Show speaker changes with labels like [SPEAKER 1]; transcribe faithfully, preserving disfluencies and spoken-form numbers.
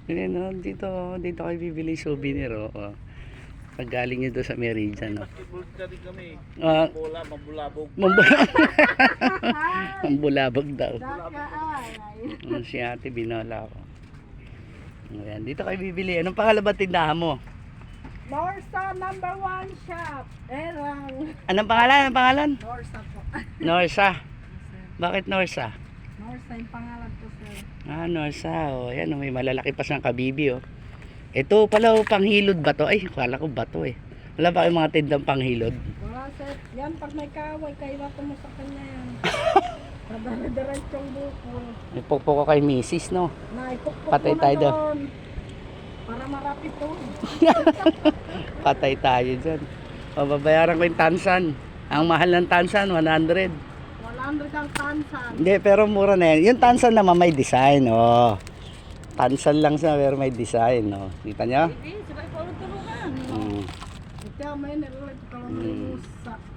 [SPEAKER 1] Ayan, no? Dito, dito kayo bibili souvenir, oh. Oh. Pag galing nyo doon sa Meridian, no?
[SPEAKER 2] Basketball ka rin kami.
[SPEAKER 1] Ah,
[SPEAKER 2] Bola, mabulabog.
[SPEAKER 1] Mambulabog. Mambulabog daw.
[SPEAKER 3] Daka ay.
[SPEAKER 1] Mm, si ate binola ako. Ayan, dito kayo bibili. Anong pangalan ba tindahan mo?
[SPEAKER 3] Norsa number one shop. Erang.
[SPEAKER 1] Anong pangalan? Anong pangalan?
[SPEAKER 3] Norsa po.
[SPEAKER 1] Norsa. Bakit Norsa?
[SPEAKER 3] Norsa yung pangalan ko, sir.
[SPEAKER 1] Ah, Norsa. Oh, ayan, oh, may malalaki pa siyang kabibi, oh. Ito pala, oh, panghilod ba to? Ay, kala ko bato, eh. Wala ba kayong mga tindang panghilod?
[SPEAKER 3] Wala, sir. Yan, pag may kaway, kailangan mo sa kanya yan. Madara-diretsong bukol.
[SPEAKER 1] Ipokpok ko kay misis, no?
[SPEAKER 3] Naipukpok
[SPEAKER 1] Patay
[SPEAKER 3] ko na
[SPEAKER 1] tayo doon.
[SPEAKER 3] doon. Para marapit to.
[SPEAKER 1] Patay tayo dyan. O, babayaran ko yung tansan. Ang mahal ng tansan, one hundred.
[SPEAKER 3] one hundred ang tansan.
[SPEAKER 1] Hindi, pero mura na yan. Yung tansan naman may design, oh. Tansan lang siya, pero may design, oh. Kita nyo?
[SPEAKER 3] Hindi, sabay po tulungan.
[SPEAKER 1] Mm.
[SPEAKER 3] Ito, may nilulit ko lang
[SPEAKER 1] Mm.
[SPEAKER 3] sa